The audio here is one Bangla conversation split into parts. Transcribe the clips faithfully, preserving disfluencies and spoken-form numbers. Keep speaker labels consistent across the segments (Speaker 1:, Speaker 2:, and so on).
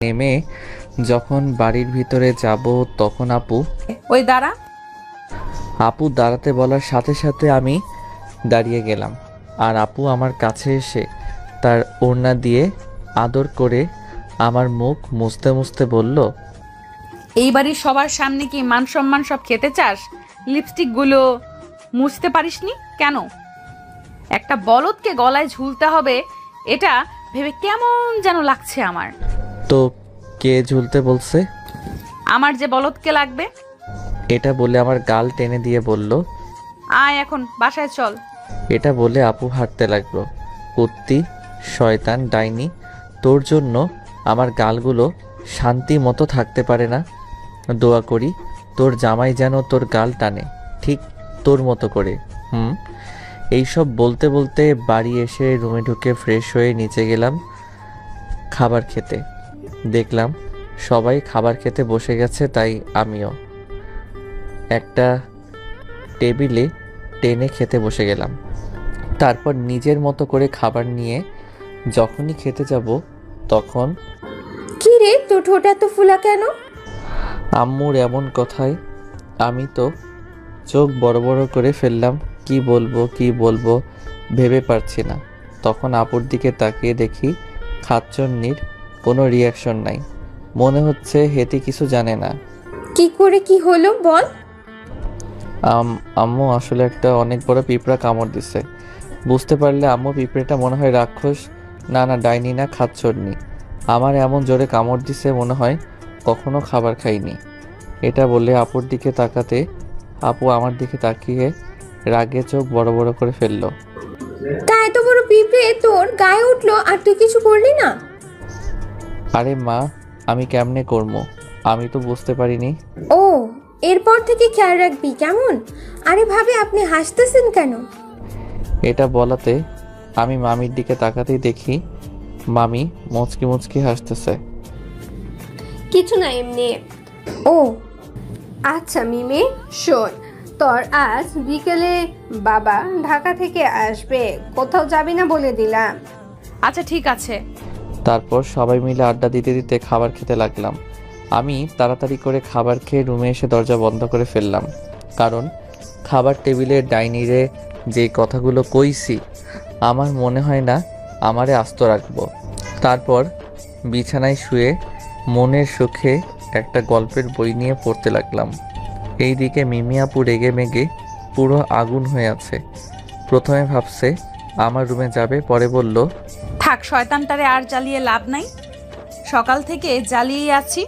Speaker 1: নেমে যখন বাড়ির ভিতরে যাব তখন আপু
Speaker 2: ওই দাঁড়া।
Speaker 1: আপু দাঁড়াতে বলার সাথে সাথে আমি দাঁড়িয়ে গেলাম। আর আপু আমার কাছে এসে তার ওড়না দিয়ে আদর করে আমার মুখ মুছতে মুছতে বলল,
Speaker 2: এই বাড়ির সবার সামনে কি মান সম্মান সব খেতে চাস? লিপস্টিকগুলো মুছতে পারিসনি কেন? একটা বলদকে গলায় ঝুলতে হবে এটা ভেবে কেমন যেন লাগছে আমার।
Speaker 1: তো কে ঝুলতে বলছে?
Speaker 2: আমার যে বলদকে লাগবে।
Speaker 1: এটা বলে আমার গাল টেনে দিয়ে বলল,
Speaker 2: আয় এখন বাসায় চল।
Speaker 1: এটা বলে আপু হাঁটতে লাগলো। কুত্তি, শয়তান, ডাইনি, তোর জন্য আমার গালগুলো শান্তি মতো থাকতে পারে না। দোয়া করি তোর জামাই যেন তোর গাল টানে, ঠিক তোর মতো করে। হুম এইসব বলতে বলতে বাড়ি এসে রুমে ঢুকে ফ্রেশ হয়ে নিচে গেলাম খাবার খেতে। দেখলাম সবাই খাবার খেতে বসে গেছে, তাই আমিও একটা টেবিলে টেনে খেতে বসে গেলাম। তারপর নিজের মতো করে খাবার নিয়ে যখনই খেতে যাব তখন
Speaker 3: কি রে, তোর ঠোঁট এত ফুলা কেন?
Speaker 1: আম্মুর এমন কথায় আমি তো চোখ বড় বড় করে ফেললাম। কি বলবো কি বলবো ভেবে পারছি না। তখন আপুর দিকে তাকিয়ে দেখি খাচ্চন্নির কোনো রিয়াকশন নাই। মনে হচ্ছে হেতি কিছু জানে না।
Speaker 3: কি করে কি হলো বল?
Speaker 1: আম আম্মু আসলে একটা অনেক বড় পিঁপড়া কামড় দিছে। বুঝতে পারলে আম্মু পিঁপড়েটা মনে হয় রাক্ষস, না না ডাইনি না খাচ্চন্নি। আমার এমন জোরে কামড় দিছে মনে হয় কখনো খাবার খাইনি। এটা বলে আপুর দিকে তাকাতে আপু আমার দিকে তাকিয়ে রাগে চোখ বড় বড় করে ফেললো।
Speaker 3: তা এত বড় পিঁপড়ে তোর গায়ে উঠলো আর তুই কিছু করলি না?
Speaker 1: আরে মা, আমি কেমনে করবো, আমি তো বুঝতে পারিনি।
Speaker 3: ও, এরপর থেকে খেয়াল রাখবি কেমন? আরে ভাবে আপনি হাসতেছেন কেন?
Speaker 1: এটা বলাতে আমি মামির দিকে তাকাতেই দেখি মামি মুচকি মুচকি হাসতেছে।
Speaker 4: কিছু না, এমনি।
Speaker 3: ও
Speaker 4: আচ্ছা মিমি, শোন, তোর আজ বিকেলে বাবা ঢাকা থেকে আসবে, কোথাও যাবি না বলে দিলাম।
Speaker 2: আচ্ছা ঠিক আছে।
Speaker 1: তারপর সবাই মিলে আড্ডা দিতে দিতে খাবার খেতে লাগলাম। আমি তাড়াতাড়ি করে খাবার খেয়ে রুমে এসে দরজা বন্ধ করে ফেললাম, কারণ খাবার টেবিলে ডাইনিরে যে কথাগুলো কইছি আমার মনে হয় না আমারে আস্ত রাখবো। তারপর বিছানায় শুয়ে মনের সুখে একটা গল্পের বই নিয়ে পড়তে লাগলাম। এইদিকে মিমি আপু রেগে মেগে পুরো আগুন হয়ে আছে। প্রথমে ভাবছে আমার রুমে যাবে, পরে বলল,
Speaker 2: থাক, শয়তানটারে আর জ্বালিয়ে লাভ নাই। সকাল থেকে জ্বালিয়ে আছি,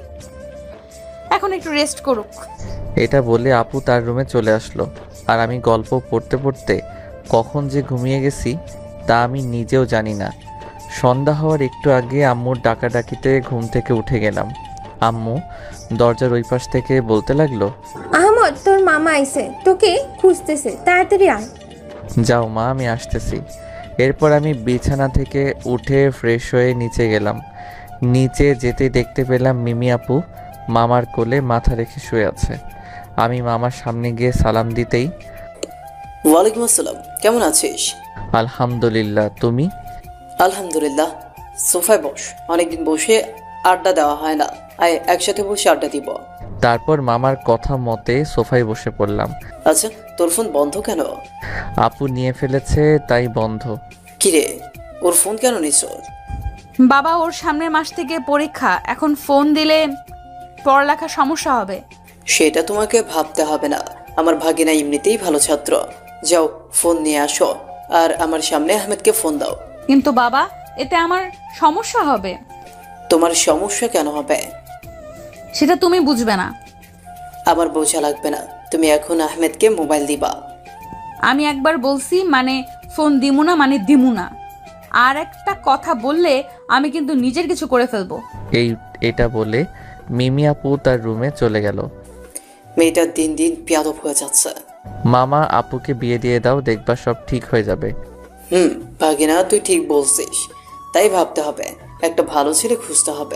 Speaker 2: এখন একটু রেস্ট করুক।
Speaker 1: এটা বলে আপু তার রুমে চলে আসলো। আর আমি গল্প পড়তে পড়তে কখন যে ঘুমিয়ে গেছি তা আমি নিজেও জানি না। সন্ধ্যা হওয়ার একটু আগে আম্মুর ডাকাডাকিতে ঘুম থেকে উঠে গেলাম। আম্মু দরজার ওই পাশ থেকে বলতে লাগলো,
Speaker 3: আহমদ, তোর মামা আইছে, তোকে খুঁজতেছে, তাড়াতাড়ি আয়।
Speaker 1: যাও মা, আমি আসতেছি। এরপর আমি বিছানা থেকে উঠে ফ্রেশ হয়ে নিচে গেলাম। নিচে যেতে দেখতে পেলাম মিমি আপু মামার কোলে মাথা রেখে শুয়ে আছে। আমি মামার সামনে গিয়ে সালাম দিতেই,
Speaker 5: ওয়ালাইকুম আসসালাম, কেমন আছিস?
Speaker 1: আলহামদুলিল্লাহ, তুমি?
Speaker 5: আলহামদুলিল্লাহ। সোফায় বস, অনেকদিন বসে আড্ডা দেওয়া হয় না, আয় একসাথে বসে আড্ডা দিব।
Speaker 1: তারপর মামার কথা মতে সোফায় বসে পড়লাম।
Speaker 5: আচ্ছা, তোর ফোন বন্ধ কেন?
Speaker 1: আপু নিয়ে ফেলেছে তাই বন্ধ।
Speaker 5: কিরে, ওর ফোন কেন নিছ?
Speaker 2: বাবা, ওর সামনের মাস থেকে পরীক্ষা, এখন ফোন দিলে পড়ালেখার সমস্যা হবে।
Speaker 5: সেটা তোমাকে ভাবতে হবে না, আমার ভাগিনা এমনিতেই ভালো ছাত্র। যাও ফোন নিয়ে আসো, আর আমার সামনে আহমেদকে ফোন দাও।
Speaker 2: কিন্তু বাবা, এতে আমার সমস্যা হবে।
Speaker 5: তোমার সমস্যা কেন হবে?
Speaker 2: সেটা তুমি বুঝবে না।
Speaker 5: আমার বোঝা লাগবে না, তুমি এখন আহমেদকে মোবাইল দিবা।
Speaker 2: আমি একবার বলছি মানে ফোন দিমু না মানে দিমু না। আর একটা কথা বললে আমি কিন্তু নিজের কিছু করে ফেলবো।
Speaker 1: এই এটা বলে মিমি আপু তার রুমে চলে গেল।
Speaker 5: মেয়েটা দিন দিন বেয়াদব হয়ে যাচ্ছে।
Speaker 1: মামা আপুকে বিয়ে দিয়ে দাও, দেখবা সব ঠিক হয়ে যাবে।
Speaker 5: হুম ভাগিনা, তুই ঠিক বলছিস, তাই ভাবতে হবে, একটা ভালো ছেলে খুঁজতে হবে।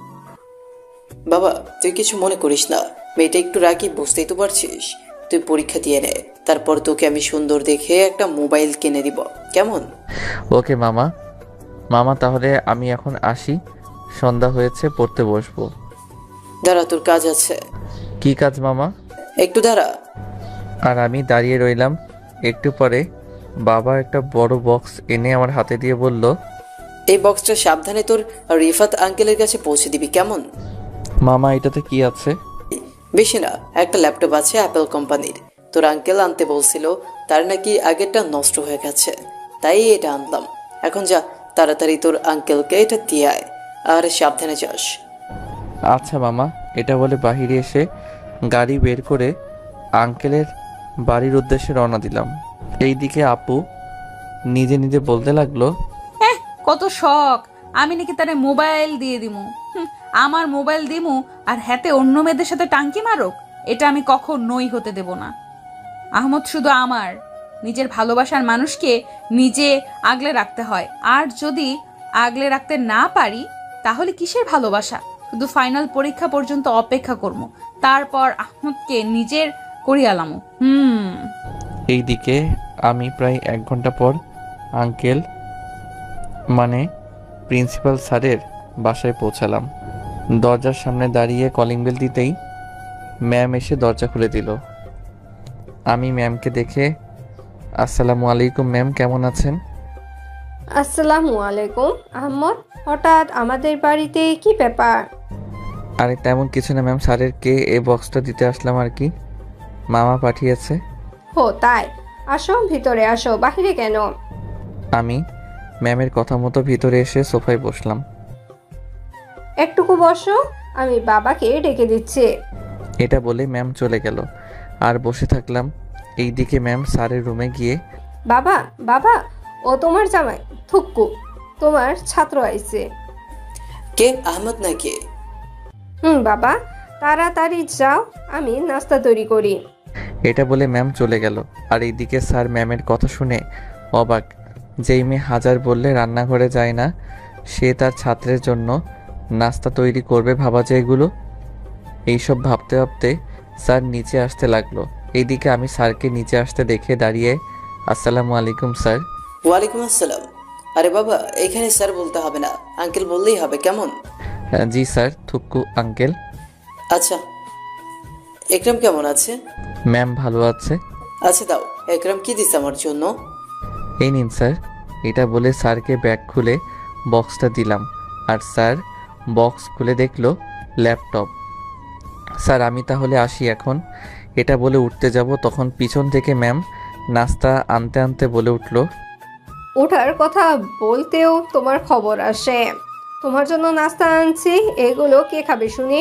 Speaker 5: বাবা তুই কিছু মনে করিস না, মেয়েটা একটু রাগি, বুঝতেই তো পারছিস। তুই পরীক্ষা দিয়ে নে, তারপর তোকে আমি সুন্দর দেখে একটা মোবাইল কিনে দিব, কেমন?
Speaker 1: ওকে মামা। মামা তাহলে আমি এখন আসি, সন্ধ্যা হয়েছে, পড়তে বসবো।
Speaker 5: দাঁড়া, তোর কাজ আছে।
Speaker 1: কি কাজ মামা?
Speaker 5: একটু দাঁড়া।
Speaker 1: আর আমি দাঁড়িয়ে রইলাম। একটু পরে বাবা একটা বড় বক্স এনে আমার হাতে দিয়ে বলল,
Speaker 5: এই বক্সটা সাবধানে তোর রিফাত আঙ্কেলের কাছে পৌঁছে দিবি, কেমন?
Speaker 1: মামা এটাতে কি আছে?
Speaker 5: বেশি না, একটা ল্যাপটপ আছে অ্যাপেল কোম্পানির। তোর আঙ্কেল আনতে বলছিল, তার নাকি আগেরটা নষ্ট হয়ে গেছে, তাই এটা আনলাম। এখন যা, তাড়াতাড়ি তোর আঙ্কেলকে এটা দিয়ে আয়, আর সাবধানে যাস।
Speaker 1: আচ্ছা মামা। এটা বলে বাহিরে এসে গাড়ি বের করে আঙ্কেলের বাড়ির উদ্দেশ্যে রওনা দিলাম। এইদিকে আপু নিজে নিজে বলতে লাগলো,
Speaker 2: হ্যাঁ, কত শখ আমি নাকি তারে মোবাইল দিয়ে দিমু। হুম, আমার মোবাইল দিমু আর হাতে অন্য মেয়েদের সাথে টাঙ্কি মারুক, এটা আমি কখনোই হতে দেব না। আহমদ শুধু আমার, নিজের ভালোবাসার মানুষকে নিজে আগলে রাখতে হয়, আর যদি আগলে রাখতে না পারি তাহলে কিসের ভালোবাসা? শুধু ফাইনাল পরীক্ষা পর্যন্ত অপেক্ষা করবো, তারপর আহমদকে নিজের করিয়ালামু। হুম
Speaker 1: এইদিকে আমি প্রায় এক ঘন্টা পর আঙ্কেল মানে প্রিন্সিপাল স্যারের বাসায় পৌঁছালাম। দরজার সামনে দাঁড়িয়ে কলিং বেল দিতেই ম্যাম এসে দরজা খুলে দিল। আমি ম্যামকে দেখে, আসসালামু আলাইকুম ম্যাম, কেমন আছেন?
Speaker 4: আসসালামু আলাইকুম। আহমদ, হঠাৎ আমাদের বাড়িতে কি ব্যাপার?
Speaker 1: আরে তেমন কিছু না ম্যাম, স্যারের কে এই বক্সটা দিতে আসলাম আর কি, মামা পাঠিয়েছে।
Speaker 4: হো তাই, আসো ভিতরে আসো, বাহিরে কেন?
Speaker 1: আমি ম্যামের কথা মতো ভিতরে এসে সোফায় বসলাম।
Speaker 4: একটুকু বসো, আমি বাবাকে ডেকে দিচ্ছি।
Speaker 1: এটা বলে ম্যাম চলে গেল আর বসে থাকলাম। এইদিকে ম্যাম স্যারের রুমে গিয়ে,
Speaker 4: বাবা বাবা, ও তোমার জামাই থুক্কু, তোমার ছাত্র আইছে।
Speaker 5: কে, আহমদ নাকি?
Speaker 4: হুম বাবা, তাড়াতাড়ি যাও, আমি নাস্তা তৈরি করি।
Speaker 1: এটা বলে ম্যাম চলে গেল। আর এইদিকে স্যার ম্যামের কথা শুনে অবাক। যেই মেয়ে হাজার বললে রান্নাঘরে যায় না, সে তার ছাত্রের জন্য নাস্তা তৈরি করবে, ভাবা যায় এগুলো। এইসব ভাবতে ভাবতে স্যার নিচে আসতে লাগলো। এইদিকে আমি স্যারকে নিচে আসতে দেখে দাঁড়িয়ে, আসসালামু আলাইকুম স্যার।
Speaker 5: ওয়ালাইকুম আসসালাম। আরে বাবা, এখানে স্যার বলতে হবে না, আঙ্কেল বললেই হবে, কেমন?
Speaker 1: হ্যাঁ, জি স্যার, থুক্কু আঙ্কেল।
Speaker 5: আচ্ছা, একরাম কেমন আছে?
Speaker 1: ম্যাম ভালো আছে।
Speaker 5: আচ্ছা দাও, একরাম কি দিস আমার জন্য?
Speaker 1: এই নিন স্যার। এটা বলে স্যারকে ব্যাগ খুলে বক্সটা দিলাম। আর স্যার বক্স খুলে দেখলো ল্যাপটপ। স্যার আমি তাহলে আসি এখন। এটা বলে উঠতে যাব, তখন পিছন থেকে ম্যাম নাস্তা আনতে আনতে বলে উঠল,
Speaker 4: ওঠার কথা বলতেও তোমার খবর আসে। তোমার জন্য নাস্তা আনছি, এগুলো কে খাবে শুনি?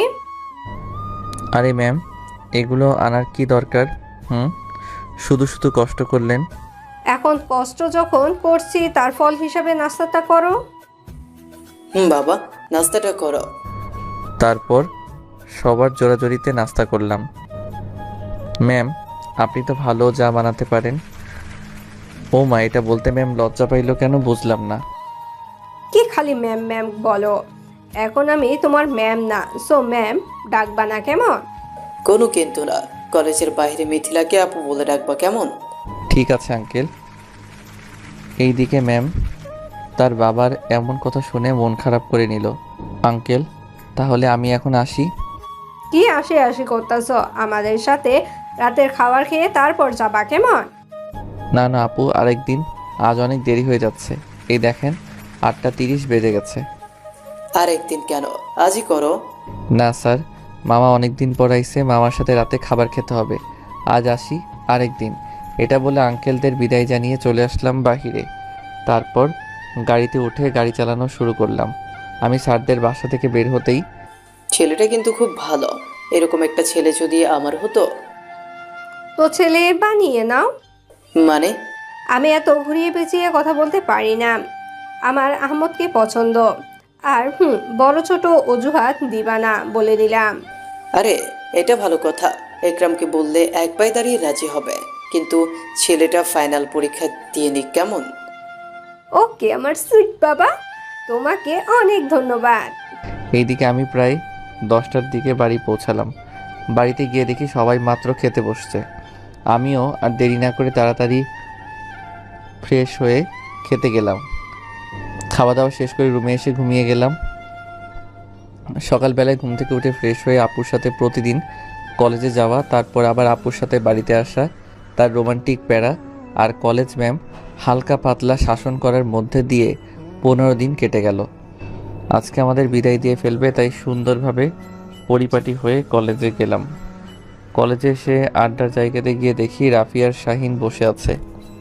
Speaker 1: আরে ম্যাম, এগুলো আনার কি দরকার? হুম, শুধু শুধু কষ্ট করলেন।
Speaker 4: এখন কষ্ট যখন করছি, তার ফল হিসাবে নাস্তাটা করো।
Speaker 5: হুম বাবা, নাস্তাটা করো।
Speaker 1: তারপর সবার জোরাজোরিতে নাস্তা করলাম। ম্যাম আপনি তো ভালো চা বানাতে পারেন। ও মা, এটা বলতে ম্যাম লজ্জা পাইলো কেন বুঝলাম না।
Speaker 4: কি খালি ম্যাম ম্যাম বলো? এখন আমি তোমার ম্যাম না, সো ম্যাম ডাকবা না, কেমন?
Speaker 5: কোনো কিন্তু না, কলেজের বাইরে মিথিলাকে আপু বলে ডাকবা, কেমন?
Speaker 1: ঠিক আছে আঙ্কেল। এইদিকে ম্যাম তার বাবার এমন কথা শুনে মন খারাপ করে নিল। আঙ্কেল তাহলে আমি এখন আসি।
Speaker 4: কি আসে আসি করতেছ? আমাদের সাথে রাতের খাবার খেয়ে তারপর যাবা, কেমন?
Speaker 1: না না আপু, আরেকদিন, আজ অনেক দেরি হয়ে যাচ্ছে। এই দেখেন আটটা তিরিশ বেজে গেছে।
Speaker 5: আর একদিন কেন, আজই করো।
Speaker 1: না স্যার, মামা অনেক দিন পর আইছে, মামার সাথে রাতে খাবার খেতে হবে। আজ আসি, আরেকদিন। এটা বলে আঙ্কেলদের বিদায় জানিয়ে চলে আসলাম বাহিরে। তারপর গাড়িতে উঠে গাড়ি চালানো শুরু করলাম। আমি স্যারদের বাসা থেকে বের হতেই,
Speaker 5: ছেলেটা কিন্তু খুব ভালো, এরকম একটা ছেলে যদি আমার হতো।
Speaker 4: তো ছেলে বানিয়ে নাও।
Speaker 5: মানে?
Speaker 4: আমি এত ঘুরিয়ে পেঁচিয়ে কথা বলতে পারি না। আমার আহমদকে পছন্দ। আর হুম, বড় ছোট অজুহাত দিবা না, বলে দিলাম।
Speaker 5: আরে এটা ভালো কথা, একরামকে বললে এক পায়ে দাঁড়িয়ে রাজি হবে, কিন্তু ছেলেটা ফাইনাল পরীক্ষা দিয়ে নিক, কেমন?
Speaker 4: ওকে আমার সুইট বাবা, তোমাকে অনেক ধন্যবাদ।
Speaker 1: এইদিকে আমি প্রায় দশটার দিকে বাড়ি পৌঁছালাম। বাড়িতে গিয়ে দেখি সবাই মাত্র খেতে বসছে। আমিও আর দেরি না করে তাড়াতাড়ি ফ্রেশ হয়ে খেতে গেলাম। খাওয়া দাওয়া শেষ করে রুমে এসে ঘুমিয়ে গেলাম। সকালবেলায় ঘুম থেকে উঠে ফ্রেশ হয়ে আপুর সাথে প্রতিদিন কলেজে যাওয়া, তারপর আবার আপুর সাথে বাড়িতে আসা, তার রোমান্টিক প্যারা আর কলেজ ম্যাম হালকা পাতলা শাসন করার মধ্যে দিয়ে পনেরো দিন কেটে গেল। আজকে আমাদের বিদায় দিয়ে ফেলবে, তাই সুন্দরভাবে পরিপাটি হয়ে কলেজে গেলাম। কলেজে এসে আড্ডার জায়গাতে গিয়ে দেখি রাফি আর শাহিন বসে আছে।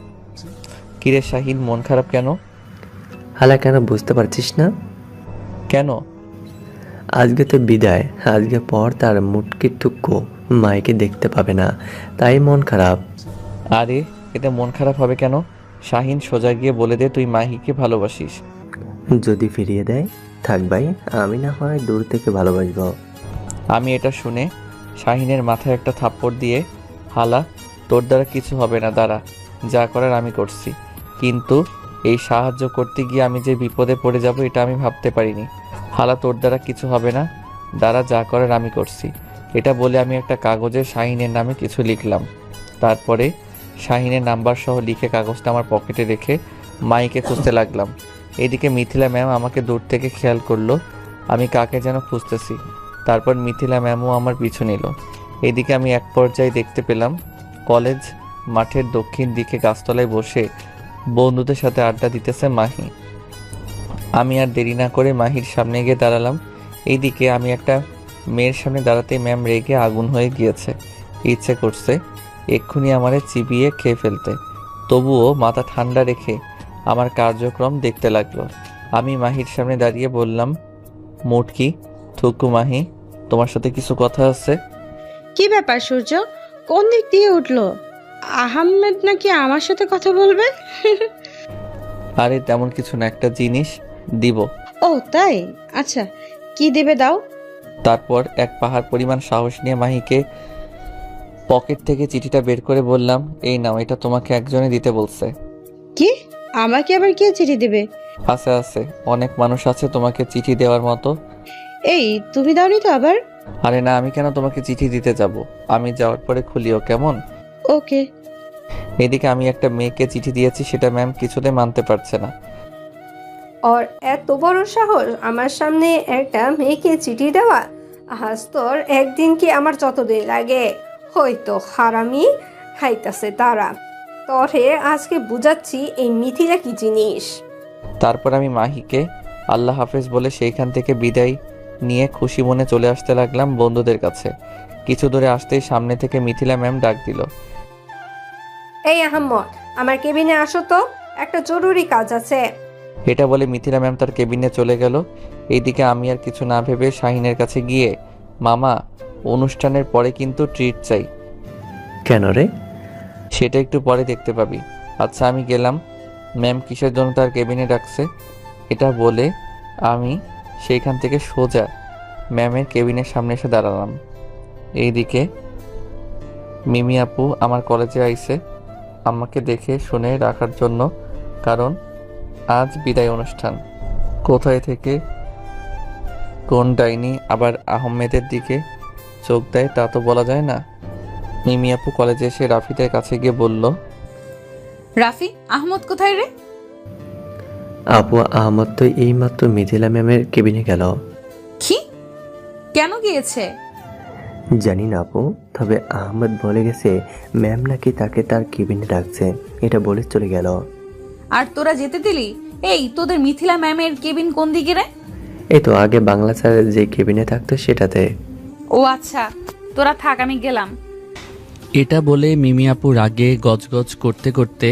Speaker 1: কিরে শাহিন, মন খারাপ কেন?
Speaker 6: হালা কেন বুঝতে পারছিস না?
Speaker 1: কেন?
Speaker 6: আজকে তো বিদায়, আজকে পর তার মুটকি টুকু মাইকে দেখতে পাবে না, তাই মন খারাপ।
Speaker 1: আরে এতে মন খারাপ হবে কেন? শাহিন, সোজা গিয়ে বলে দে তুই মাহিকে ভালোবাসিস।
Speaker 6: যদি ফিরিয়ে দেয় থাক ভাই, আমি না হয় দূর থেকে ভালোবাসবো।
Speaker 1: আমি এটা শুনে শাহিনের মাথায় একটা থাপ্পড় দিয়ে, হালা তোর দ্বারা কিছু হবে না, দাঁড়া, যা করার আমি করছি। কিন্তু এই সাহায্য করতে গিয়ে আমি যে বিপদে পড়ে যাব এটা আমি ভাবতে পারিনি। হালা তোর দ্বারা কিছু হবে না, দাঁড়া, যা করার আমি করছি। এটা বলে আমি একটা কাগজে শাহিনের নামে কিছু লিখলাম। তারপরে শাহিনের নাম্বার সহ লিখে কাগজটা আমার পকেটে রেখে মাইকে খুঁজতে লাগলাম। এদিকে মিথিলা ম্যাম আমাকে দূর থেকে খেয়াল করলো আমি কাকে যেন খুঁজতেছি। তারপর মিথিলা ম্যামও আমার পিছু নিল। এদিকে আমি এক পর্যায়ে দেখতে পেলাম কলেজ মাঠের দক্ষিণ দিকে গাছতলায় বসে বন্ধুদের সাথে আড্ডা দিতেছে মাহি। আমি আর দেরি না করে মাহির সামনে গিয়ে দাঁড়ালাম। এইদিকে আমি একটা মেয়ের সামনে দাঁড়াতে ম্যাম রেগে আগুন হয়ে গিয়েছে। ইচ্ছে করছে এক্ষুনি আমারে চিবিয়ে খেয়ে ফেলতে, তবুও মাথা ঠান্ডা রেখে আমার কার্যক্রম দেখতে লাগলো। আমি মাহির সামনে দাঁড়িয়ে বললাম, মুটকি থুকু মাহি, তোমার সাথে কিছু কথা আছে।
Speaker 7: কি ব্যাপার সূর্য, কোন দিক দিয়ে উঠলো? আহমেদ নাকি আমার সাথে কথা বলবে?
Speaker 1: আরে তেমন কিছু না, একটা জিনিস দিব।
Speaker 7: ও তাই, আচ্ছা কি দেবে দাও।
Speaker 1: তারপর এক পাহাড় পরিমাণ সাহস নিয়ে মাহিকে পকেট থেকে চিঠিটা বের করে বললাম, এই নাও, এটা তোমাকে একজনে দিতে বলছে।
Speaker 7: কি? আমাকে আবার কে চিঠি দেবে?
Speaker 1: আছে আছে, অনেক মানুষ আছে তোমাকে চিঠি দেওয়ার মতো।
Speaker 7: এই তুমি দাওনি তো আবার?
Speaker 1: আরে না, আমি কেন তোমাকে চিঠি দিতে যাব, আমি যাওয়ার পরে খুলিও, কেমন?
Speaker 7: ওকে।
Speaker 1: এদিকে আমি একটা মেয়েকে চিঠি দিয়েছি, সেটা ম্যাম কিছুতে মানতে পারছে না।
Speaker 4: ওর এত বড় সাহস আমার সামনে একটা মেয়েকে চিঠি দেওয়া? আজ তোর একদিন কি আমার যতদিন লাগে, হয়তো হারামি খাইতাছে তারা। তোরে আজকে বুঝাচ্ছি এই মিথিলা কি জিনিস।
Speaker 1: তারপর আমি মাহিকে আল্লাহ হাফেজ বলে সেইখান থেকে বিদায় নিয়ে খুশি মনে চলে আসতে লাগলাম বন্ধুদের কাছে। কিছু দূরে আসতেই সামনে থেকে মিথিলা ম্যাম ডাক দিল,
Speaker 4: এই আহম্মদ, আমার কেবিনে আসো তো, একটা জরুরি কাজ আছে।
Speaker 1: এটা বলে মিথিলা ম্যাম তার কেবিনে চলে গেল। এইদিকে আমি আর কিছু না ভেবে শাহিনের কাছে গিয়ে, মামা অনুষ্ঠানের পরে কিন্তু ট্রিট চাই।
Speaker 6: কেন রে?
Speaker 1: সেটা একটু পরে দেখতে পাবি। আচ্ছা আমি গেলাম। ম্যাম কিসের জন্য তার কেবিনে ডাকছে এটা বলে আমি সেইখান থেকে সোজা ম্যামের কেবিনের সামনে এসে দাঁড়ালাম। এইদিকে মিমি আপু আমার কলেজে আইছে আমাকে দেখে শুনে রাখার জন্য, কারণ আজ বিদায় অনুষ্ঠান। কোথায় থেকে কোন ডাইনি আবার আহমেদের দিকে চোখ দেয় তা তো বলা যায় না। মিমি আপু কলেজে এসে রাফিদের কাছে গিয়ে বলল,
Speaker 2: রাফি, আহমদ কোথায় রে?
Speaker 6: আপু আহমদ তো এইমাত্র মিথিলা ম্যামের কেবিনে গেল।
Speaker 2: কি? কেন গিয়েছে?
Speaker 6: জানি না আপু, তবে আহমদ বলে গেছে ম্যাম নাকি তাকে তার কেবিনে ডাকছে, এটা বলে চলে গেল।
Speaker 2: আর তোরা যেতে দিলি? এই তোদের মিথিলা ম্যামের কেবিন কোন দিকে রে?
Speaker 6: এই তো আগে বাংলা স্যারের যে কেবিনে থাকতো সেটাতে।
Speaker 2: ও আচ্ছা, তোরা থাক, আমি গেলাম।
Speaker 8: এটা বলে মিমি আপু রাগে গজগজ করতে করতে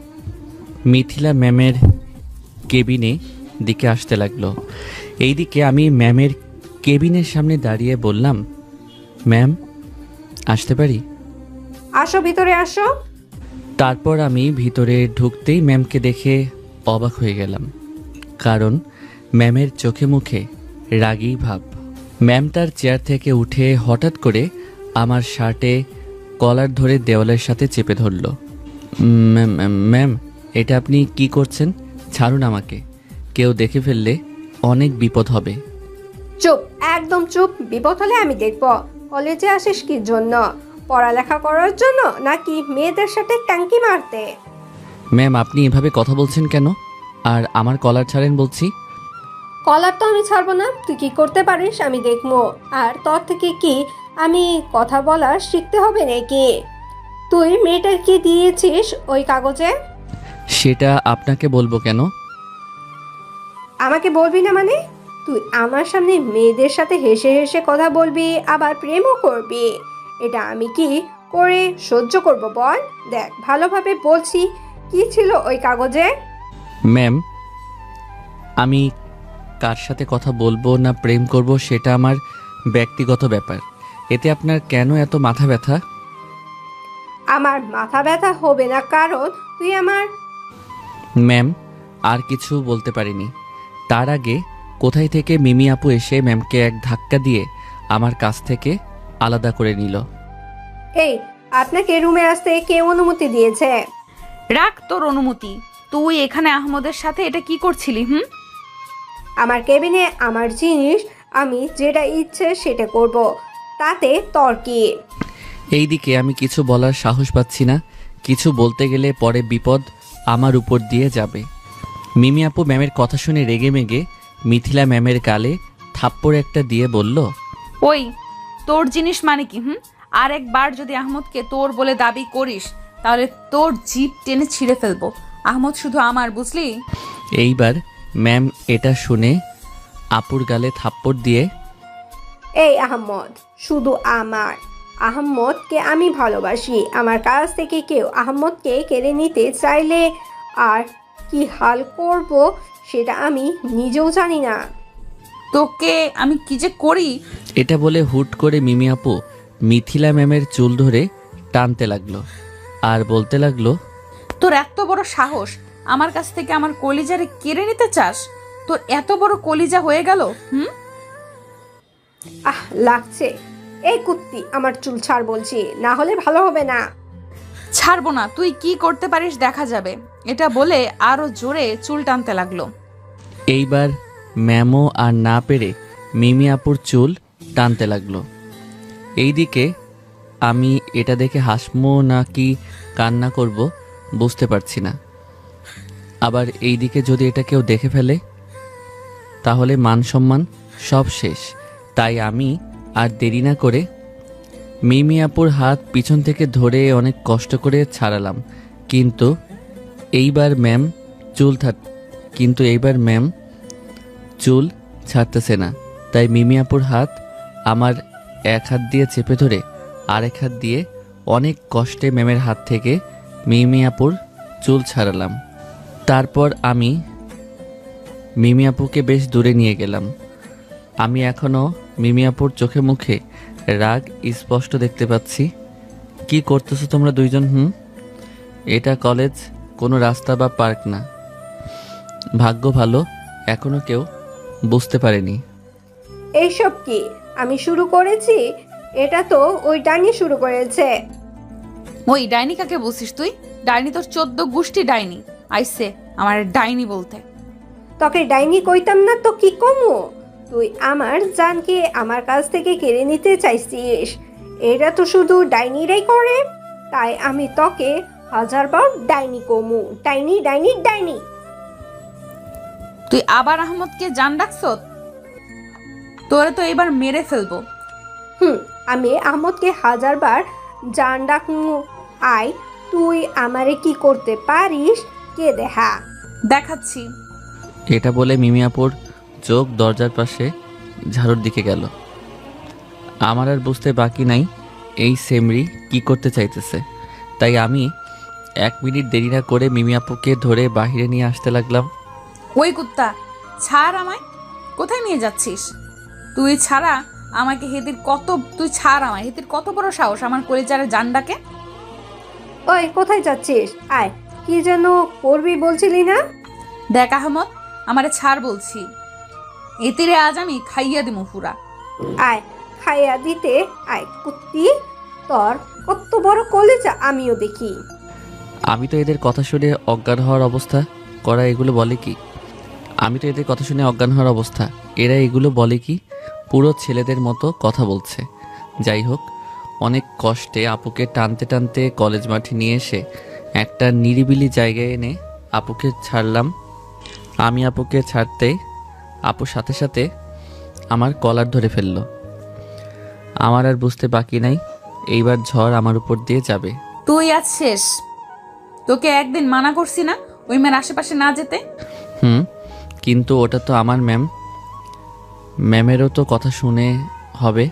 Speaker 8: মিথিলা ম্যামের কেবিনে দিকে আসতে লাগলো। এইদিকে আমি ম্যামের কেবিনের সামনে দাঁড়িয়ে বললাম, ম্যাম আসতে পারি?
Speaker 4: আসো, ভিতরে আসো।
Speaker 8: তারপর আমি ভিতরে ঢুকতেই ম্যামকে দেখে অবাক হয়ে গেলাম, কারণ ম্যামের চোখে মুখে রাগী ভাব। ম্যাম তার চেয়ার থেকে উঠে হঠাৎ করে আমার শার্টে কলার ধরে দেওয়ালের সাথে চেপে ধরল। ম্যাম ম্যাম এটা আপনি কি করছেন? ছাড়ুন আমাকে, কেউ দেখে ফেললে অনেক বিপদ হবে।
Speaker 4: চুপ, একদম চুপ। বিপদ হলে আমি দেখব। কলেজে আসিস কি জন্য? পড়ালেখা করার জন্য নাকি মেয়েদের সাথে ট্যাঙ্কি মারতে?
Speaker 8: ম্যাম আপনি এভাবে কথা বলছেন কেন? আর আমার কলার ছাড়েন বলছি।
Speaker 4: কলার তো আমি ছাড়বো না, তুই কি করতে পারিস আমি দেখবো। আর তোর থেকে কি আমি কথা বলা শিখতে হবে নাকি? তুই মেয়েটা কি দিয়েছিস ওই কাগজে?
Speaker 8: সেটা আপনাকে বলবো কেন?
Speaker 4: আমাকে বলবি না মানে? তুই আমার সামনে মেয়েদের সাথে হেসে হেসে কথা বলবি, আবার প্রেমও করবি? এটা আমি কি করে সহ্য করব বল? দেখ ভালোভাবে বলছি, কি ছিল ওই কাগজে?
Speaker 8: ম্যাম, আমি কার সাথে কথা বলবো না প্রেম করব সেটা আমার ব্যক্তিগত ব্যাপার। এতে আপনার কেন এত মাথা ব্যথা?
Speaker 4: আমার মাথা ব্যথা হবে না, কারণ তুই আমার
Speaker 8: ম্যাম, আর কিছু বলতে পারিনি। তার আগে কোথায় থেকে মিমি আপু এসে ম্যামকে এক ধাক্কা দিয়ে আমার কাছ থেকে আলাদা করে নিল।
Speaker 4: এই, আপনাকে রুমে আসতে কে অনুমতি দিয়েছে?
Speaker 2: রাখ তোর অনুমতি। তুই এখানে আহমদের সাথে এটা কি করছিলি? হুম
Speaker 4: আমার কেবিনে আমার জিনিস, আমি যেটা ইচ্ছে সেটা করব, তাতে তোর কি?
Speaker 8: এইদিকে আমি কিছু বলার সাহস পাচ্ছি না। কিছু বলতে গেলে পরে বিপদ আমার উপর দিয়ে যাবে। মিমি আপু ম্যামের কথা শুনে রেগে মেগে মিথিলা ম্যামের গালে থাপ্পড় একটা দিয়ে বলল,
Speaker 2: ওই তোর জিনিস মানে কি? হুম আর একবার যদি আহমদকে তোর বলে দাবি করিস তাহলে তোর জিভ টেনে ছিঁড়ে ফেলবো। আহমদ শুধু আমার, বুঝলি?
Speaker 8: এইবার ম্যাম এটা শুনে আপুর গালে থাপ্পড় দিয়ে,
Speaker 4: এই আহমদ শুধু আমার, আহমদকে আমি ভালোবাসি। আমার কাছ থেকে কেউ আহমদকে কেড়ে নিতে চাইলে আর কি হাল করব সেটা আমি নিজেও জানি না।
Speaker 2: তোকে আমি কি যে করি!
Speaker 8: এটা বলে হুট করে মিমি আপু মিথিলা ম্যামের চুল ধরে টানতে লাগলো আর বলতে লাগলো,
Speaker 2: তোর এত বড় সাহস, আমার কাছ থেকে আমার কলিজারে কেড়ে নিতে চাস? তোর এত বড় কলিজা হয়ে গেল? হুম
Speaker 4: আহ লাগছে। এই কুত্তি, আমার চুল ছাড় বলছি, না হলে ভালো হবে না।
Speaker 2: ছাড়বো না, তুই কি করতে পারিস দেখা যাবে। এটা বলে আরো জোরে চুল টানতে লাগলো।
Speaker 8: এইবার ম্যামও আর না পেরে মিমি আপুর চুল টানতে লাগলো। এইদিকে আমি এটা দেখে হাসমো নাকি কান্না করব বুঝতে পারছি না। আবার এইদিকে যদি এটা কেউ দেখে ফেলে তাহলে মান সম্মান সব শেষ। তাই আমি আর দেরি না করে মিমি আপুর হাত পিছন থেকে ধরে অনেক কষ্ট করে ছাড়ালাম। কিন্তু এইবার ম্যাম চুল থাক কিন্তু এইবার ম্যাম চুল ছাড়তেছে না। তাই মিমি আপুর হাত আমার এক হাত দিয়ে চেপে ধরে আরেক হাত দিয়ে অনেক কষ্টে ম্যামের হাত থেকে মিমি আপুর চুল ছাড়ালাম। তারপর আমি মিমি আপুকে বেশ দূরে নিয়ে গেলাম। আমি এখনও মিমি আপুর চোখে মুখে রাগ স্পষ্ট দেখতে পাচ্ছি। কি করতেছো তোমরা দুইজন? হুম এটা কলেজ, কোনো রাস্তা বা পার্ক না। ভাগ্য ভালো এখনো কেউ বুঝতে পারেনি।
Speaker 4: এইসব কি আমি শুরু করেছি? এটা তো ওই ডাইনি শুরু করেছে।
Speaker 2: ওই ডাইনি কাকে বলছিস তুই? ডাইনি তোর চোদ্দ গোষ্ঠী ডাইনি আইসে আমার ডাইনি বলতে।
Speaker 4: তোকে ডাইনি কইতাম না তো কি কমু? তুই আমার জানকে আমার কাছ থেকে কেড়ে নিতে চাইছিস। এটা তো শুধু ডাইনিরাই করে, তাই আমি তোকে হাজারবার ডাইনি কমু। ডাইনি ডাইনি ডাইনি।
Speaker 2: তুই আবার আহমদকে জান ডাকছ? তোরে তো এবার মেরে ফেলবো।
Speaker 4: হুম আমি আহমদকে হাজারবার জান ডাকমু। আয়, তুই আমারে কি করতে পারিস কে দেখা।
Speaker 2: দেখাচ্ছি।
Speaker 8: এটা বলে মিমি আপুর চোখ দরজার পাশে ঝাড়ুর দিকে গেল। আমার আর বুঝতে বাকি নাই এই সেমরি কি করতে চাইতেছে। তাই আমি এক মিনিট দেরি না করে মিমি আপুকে ধরে বাহিরে নিয়ে আসতে লাগলাম।
Speaker 2: ওই কুত্তা, ছাড় আমায়। কোথায় নিয়ে যাচ্ছিস? তুই ছাড়া আমাকে হেতির কত তুই ছাড় আমায় হেতির কত বড় সাহস আমার কলিজারে জান ডাকে।
Speaker 4: ওই কোথায় যাচ্ছিস? আয়, কি যেন করবি বলছিলি না?
Speaker 2: দেখ আহমদ, আমারে ছাড় বলছি। এতিরে আজ আমি খাইয়া দিমু পুরা।
Speaker 4: আয়, খাইয়া দিতে আয় কুত্তি। তোর কত বড় কলেজা আমিও দেখি।
Speaker 8: আমি তো এদের কথা শুনে অজ্ঞান হওয়ার অবস্থা করা এগুলো বলে কি আমি তো এদের কথা শুনে অজ্ঞান হওয়ার অবস্থা এরা এগুলো বলে কি পুরো ছেলেদের মতো কথা বলছে। যাই হোক, অনেক কষ্টে আপুকে টানতে টানতে কলেজ মাঠে নিয়ে এসে একটা নিরিবিলি জায়গায় এনে আপুকে ছাড়লাম। আমি আপুকে ছাড়তে আপুর সাথে সাথে আমার কলার ধরে ফেলল। আমার আর বুঝতে বাকি নাই, এইবার ঝড় আমার উপর দিয়ে যাবে।
Speaker 2: তুই আজ শেষ। তোকে একদিন মানা করছি না ওই মেয়ের আশেপাশে না যেতে?
Speaker 8: হুম, কিন্তু ওটা তো আমার ম্যাম, ম্যামেরও তো কথা শুনে হবে।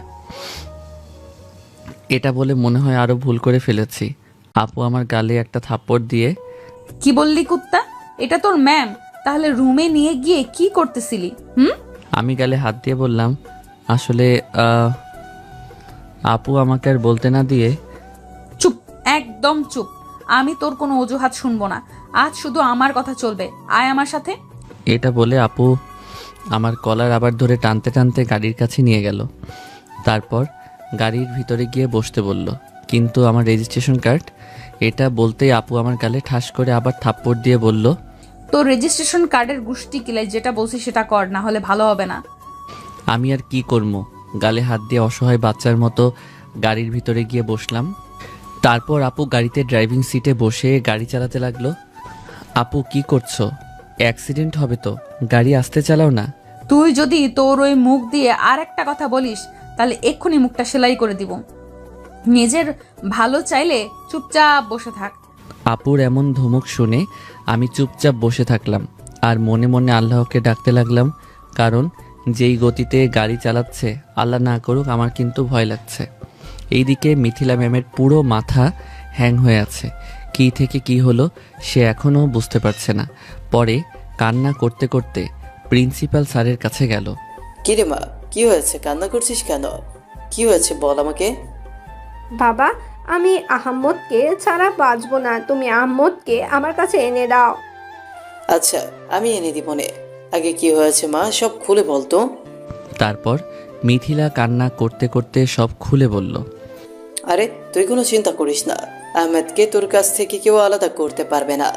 Speaker 8: এটা বলে মনে হয় আরও ভুল করে ফেলেছি। আপু আমার গালে একটা থাপ্পড় দিয়ে,
Speaker 2: কি বললি কুত্তা? এটা তোর ম্যাম? তাহলে রুমে নিয়ে গিয়ে কি করতেছিলি? হুম?
Speaker 8: আমি গালে হাত দিয়ে বললাম, আসলে আহ, আপু আমাকে আর বলতে না দিয়ে।
Speaker 2: চুপ, একদম চুপ। আমি তোর কোনো অজুহাত শুনবো না। আজ শুধু আমার কথা চলবে। আয় আমার সাথে।
Speaker 8: এটা বলে আপু আমার কলার আবার ধরে টানতে টানতে গাড়ির কাছে নিয়ে গেল। তারপর গাড়ির ভিতরে গিয়ে বসতে বলল, কিন্তু আমার রেজিস্ট্রেশন কার্ড। এটা বলতেই আপু আমার গালে ঠাস করে আবার থাপ্পড় দিয়ে বলল,
Speaker 2: তোর রেজিস্ট্রেশন কার্ডের গুষ্টি কিলাই, যেটা বলছি সেটা কর, না হলে ভালো হবে না।
Speaker 8: আমি আর কি করব? গালে হাত দিয়ে অসহায় বাচ্চার মতো গাড়ির ভিতরে গিয়ে বসলাম। তারপর আপু গাড়িতে ড্রাইভিং সিটে বসে গাড়ি চালাতে লাগলো। আপু কি করছো? অ্যাক্সিডেন্ট হবে তো, গাড়ি আস্তে চালাও না।
Speaker 2: তুই যদি তোর ওই মুখ দিয়ে আর একটা কথা বলিস তাহলে এক্ষুনি মুখটা সেলাই করে দিব। নিজের ভালো চাইলে চুপচাপ বসে থাক।
Speaker 8: আপুর এমন ধমক শুনে আমি চুপচাপ বসে থাকলাম আর মনে মনে আল্লাহকে ডাকতে লাগলাম, কারণ যেই গতিতে গাড়ি চালাচ্ছে, আল্লাহ না করুক, আমার কিন্তু ভয় লাগছে। এইদিকে মিথিলা ম্যামের পুরো মাথা হ্যাং হয়ে আছে। কি থেকে কি হলো সে এখনও বুঝতে পারছে না। পরে কান্না করতে করতে প্রিন্সিপাল স্যারের কাছে গেল।
Speaker 5: কি রে মা, কি হয়েছে? কান্না করছিস কেন? কি হয়েছে বল আমাকে।
Speaker 4: বাবা, আমি আহম্মদকে ছাড়া বাঁচবো না, তুমি আহম্মদকে আমার কাছে এনে দাও।
Speaker 5: আচ্ছা, আমি এনে দিব নে। আগে কি হয়েছে মা, সব খুলে বলতো।
Speaker 8: তারপর মিথিলা কান্না করতে করতে সব খুলে বলল।
Speaker 5: আরে তুই কোনো চিন্তা করিস না, আহমেদকে তোর কাছ থেকে কেউ আলাদা করতে পারবে না।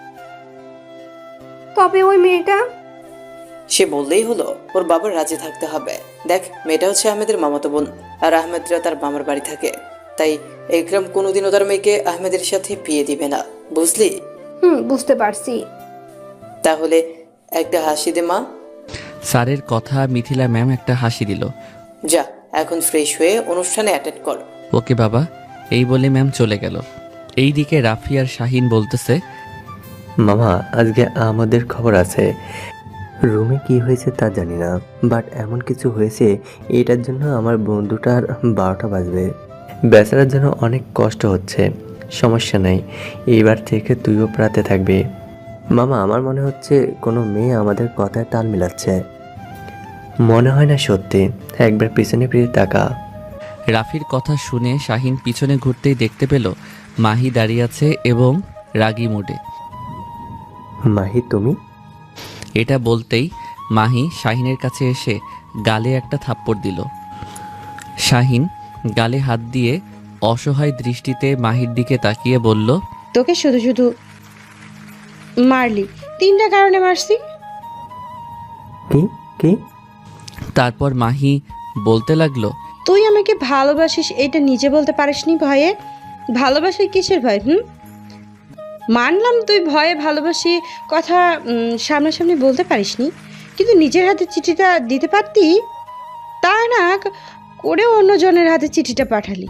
Speaker 4: তবে ওই মেয়েটা?
Speaker 5: সে বললেই হলো, ওর বাবার রাজি থাকতে হবে। দেখ, মেয়েটা হচ্ছে আহমেদের মামাতো বোন, আর আহমেদরা তার মামার বাড়ি থাকে। তাই একরাম কোনোদিনও তার মেয়েকে আহমেদের সাথে বিয়ে দিবে না, বুঝলি?
Speaker 4: হুম, বুঝতে পারছি।
Speaker 5: তাহলে একটা হাসি দে মা।
Speaker 8: স্যারের কথা মিথিলা ম্যাম একটা হাসি দিল।
Speaker 5: যা, এখন ফ্রেশ হয়ে অনুষ্ঠানে অ্যাটেন্ড কর।
Speaker 8: ওকে বাবা, এই বলে ম্যাম চলে গেল। এইদিকে রাফি আর শাহিন বলতেছে,
Speaker 6: মামা আজকে আমাদের খবর আছে। রুমে কি হয়েছে তা জানি না, বাট এমন কিছু হয়েছে এটার জন্য আমার বন্ধুটার বারোটা বাজবে। বেচারার জন্য অনেক কষ্ট হচ্ছে। সমস্যা নাই, এইবার থেকে তুইও প্রাতে থাকবি। মামা আমার মনে হচ্ছে কোনো মেয়ে আমাদের কথায় তাল মিলাচ্ছে। মনে হয় না সত্যি, একবার পিছনে ফিরে তাকা।
Speaker 8: রাফির কথা শুনে শাহিন পিছনে ঘুরতেই দেখতে পেল মাহি দাঁড়িয়ে আছে এবং রাগী মুডে।
Speaker 6: মাহি তুমি?
Speaker 8: এটা বলতেই মাহি শাহিনের কাছে এসে গালে একটা থাপ্পড় দিল। শাহিন গালে হাত দিয়ে অসহায় দৃষ্টিতে মাহির দিকে তাকিয়ে বলল,
Speaker 7: তোকে শুধু শুধু মারলি, তিনটা কারণে মারছি।
Speaker 6: কি কি?
Speaker 8: তারপর মাহি বলতে লাগলো,
Speaker 7: তুই আমাকে ভালোবাসিস এটা নিজে বলতে পারিসনি ভয়ে? ভালোবাসি কিসের ভয়? হুম, মানলাম তুই ভয়ে ভালোবাসি কথা উম, সামনাসামনি বলতে পারিসনি, কিন্তু নিজের হাতে চিঠিটা দিতে পারতি। তা না করে অন্যজনের হাতে চিঠিটা পাঠালি।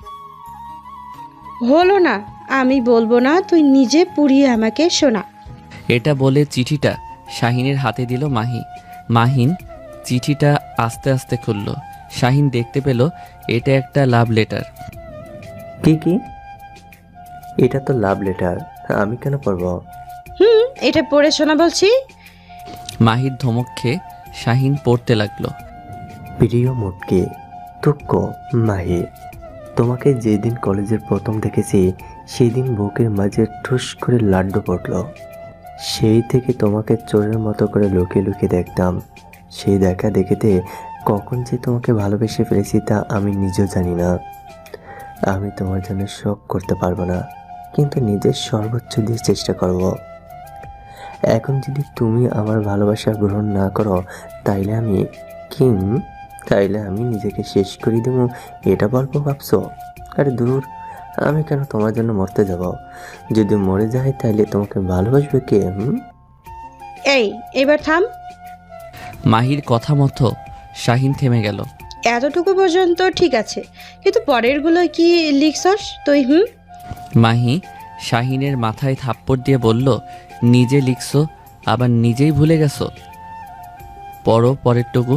Speaker 7: হলো না, আমি বলবো না, তুই নিজে পুড়িয়ে আমাকে শোনা।
Speaker 8: এটা বলে চিঠিটা শাহিনের হাতে দিল মাহি। মাহিন চিঠিটা আস্তে আস্তে খুলল। শাহিন দেখতে পেল এটা একটা লাভ লেটার।
Speaker 6: কি কি? এটা তো লাভ লেটার, আমি কেন পড়ব?
Speaker 7: হুম, এটা পড়ে শোনা বলছি।
Speaker 8: মাহির ধমক খেয়ে শাহিন পড়তে লাগলো।
Speaker 6: প্রিয় মুটকি, তুক্কো মাহি, তোমাকে যেদিন কলেজের প্রথম দেখেছি সেই দিন বুকের মাঝে ঠুস করে লাড্ডু পড়ল। সেই থেকে তোমাকে চোরের মতো করে লুকিয়ে লুকিয়ে দেখতাম। সেই দেখা দেখিতে কখন যে তোমাকে ভালোবেসে ফেলেছি তা আমি নিজেও জানি না। আমি তোমার জন্য সব করতে পারবো না, কিন্তু নিজের সর্বোচ্চ দিয়ে চেষ্টা করব। এখন যদি তুমি আমার ভালোবাসা গ্রহণ না করো তাইলে আমি কি তাইলে আমি নিজেকে শেষ করে দেবো এটা বলবো ভাবছো? আরে দূর, আমি কেন তোমার জন্য মরতে যাব? যদি মরে যাই তাইলে তোমাকে ভালোবাসবে কে? হুম
Speaker 7: এই এবার থাম।
Speaker 8: মাহির কথা মতো শাহিন থেমে গেল।
Speaker 7: এতটুকু পর্যন্ত ঠিক আছে, কিন্তু পরেরগুলো কি লিখছস তুই? হুম
Speaker 8: মাহি শাহিনের মাথায় থাপ্পড় দিয়ে বলল, নিজে লিখছো আবার নিজেই ভুলে গেছো? পড়ো পরেরটুকু।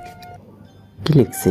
Speaker 6: কি লিখছি?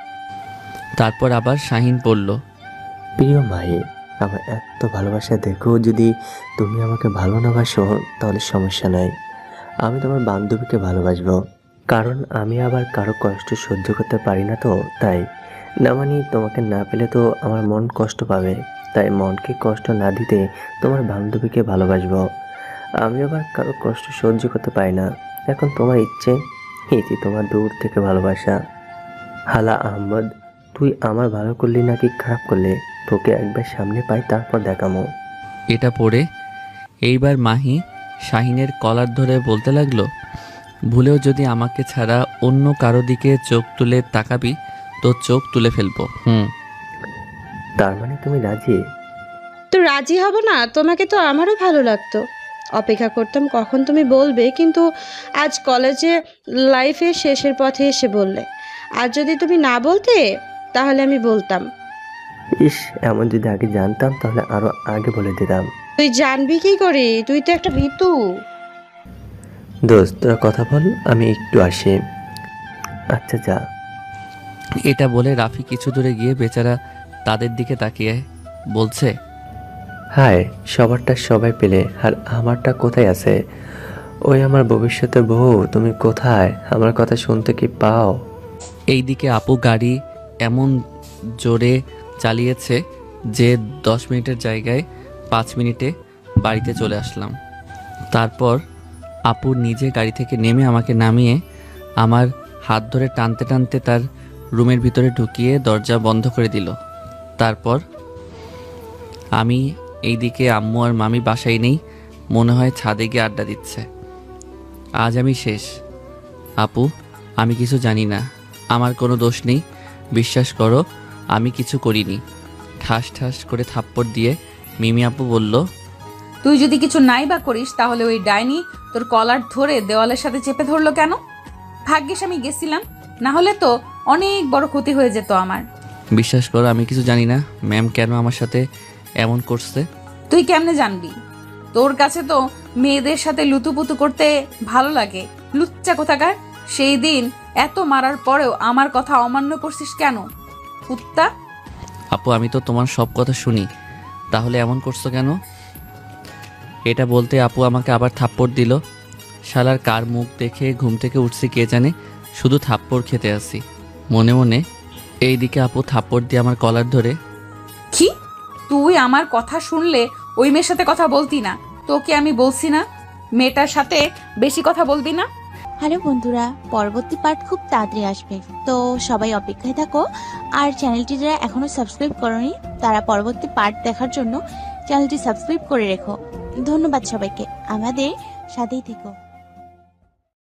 Speaker 8: তারপর আবার শাহিন পড়ল,
Speaker 6: প্রিয় মাহি, আমার এত ভালোবাসা দেখো, যদি তুমি আমাকে ভালো না বাসো তাহলে সমস্যা নাই, আমি তোমার বান্ধবীকে ভালোবাসবো। কারণ আমি আবার কারো কষ্ট সহ্য করতে পারি না, তো তাই না, মানে তোমাকে না পেলে তো আমার মন কষ্ট পাবে, তাই মনকে কষ্ট না দিতে তোমার বান্ধবীকে ভালোবাসবো। আমি আবার কারো কষ্ট সহ্য করতে পারি না। এখন তোমার ইচ্ছে, ইতি তোমার দূর থেকে ভালোবাসা। হালা আহমদ, তুই আমার ভালো করলি নাকি খারাপ করলে, তোকে একবার সামনে পাই তারপর দেখামো।
Speaker 8: এটা পড়ে এইবার মাহি শাহিনের কলার ধরে বলতে লাগলো, ভুলেও যদি আমাকে ছাড়া অন্য কারো দিকে চোখ তুলে তাকাবি তো চোখ তুলে ফেলবো। হুম
Speaker 6: তার মানে তুমি রাজি?
Speaker 7: তো রাজি হব না? তোমাকে তো আমারও ভালো লাগতো, অপেক্ষা করতাম কখন তুমি বলবে, কিন্তু আজ কলেজে লাইফের শেষের পথে এসে বললে। আর যদি তুমি না বলতে তাহলে আমি বলতাম।
Speaker 6: ইস, এমন যদি আগে জানতাম তাহলে আরো আগে বলে দিতাম।
Speaker 7: তুই জানবি কি করে? তুই তো একটা ভীতু।
Speaker 6: দোস্ত, তোরা কথা বল, আমি একটু আসি। আচ্ছা যা।
Speaker 8: এটা বলে রাফি কিছু দূরে গিয়ে বেচারা তাদের দিকে তাকিয়ে বলছে,
Speaker 6: হায়, সবারটা সবাই পেলে আর আমারটা কোথায় আছে? ওই আমার ভবিষ্যতের বউ, তুমি কোথায়? আমার কথা শুনতে কি পাও?
Speaker 8: এইদিকে আপু গাড়ি এমন জোরে চালিয়েছে যে দশ মিনিটের জায়গায় পাঁচ মিনিটে বাড়িতে চলে আসলাম। তারপর আপু নিজে গাড়ি থেকে নেমে আমাকে নামিয়ে আমার হাত ধরে টানতে টানতে তার রুমের ভিতরে ঢুকিয়ে দরজা বন্ধ করে দিল। তারপর আমি এইদিকে আম্মু আর মামি বাসায় নেই, মনে হয় ছাদে গিয়ে আড্ডা দিচ্ছে। আজ আমি শেষ আপু, আমি কিছু জানি না, আমার কোনো দোষ নেই, বিশ্বাস করো আমি কিছু করিনি। ঠাস ঠাস করে থাপ্পড় দিয়ে মিমি আপু বলল,
Speaker 2: তুই যদি কিছু নাই বা করিস তাহলে ওই ডাইনি তোর কলার ধরে দেওয়ালের সাথে চেপে ধরলো কেন? ভাগ্যিস আমি গেছিলাম, না হলে তো অনেক বড় ক্ষতি হয়ে যেত আমার।
Speaker 8: বিশ্বাস করো আমি কিছু জানি না ম্যাম কেন আমার সাথে এমন করছে।
Speaker 2: তুই কেমনে জানবি? তোর কাছে তো মেয়েদের সাথে লুতুপুতু করতে ভালো লাগে, লুচ্চা কোথাকার। সেই দিন এত মারার পরেও আমার কথা অমান্য করছিস কেন, কুত্তা?
Speaker 8: আপু আমি তো তোমার সব কথা শুনি, তাহলে এমন করছো কেন? এটা বলতে আপু আমাকে আবার থাপ্পড় দিল। শালার কার মুখ দেখে ঘুম থেকে উঠছি কে জানে, শুধু থাপ্পড় খেতে আসি মনে মনে। এইদিকে আপু থাপ্পড় দিয়ে আমার কলার ধরে,
Speaker 2: কি তুই আমার কথা শুনলে ওই মেয়ের সাথে কথা বলতি না? তোকে আমি বলছি না মেয়েটার সাথে বেশি কথা বলবি না?
Speaker 9: হ্যালো বন্ধুরা, পরবর্তী পার্ট খুব তাড়াতাড়ি আসবে, তো সবাই অপেক্ষায় থাকো। আর চ্যানেলটি যারা এখনো সাবস্ক্রাইব করনি তারা পরবর্তী পার্ট দেখার জন্য চ্যানেলটি সাবস্ক্রাইব করে রেখো। ধন্যবাদ সবাইকে, আমাদের সাথেই থেকো।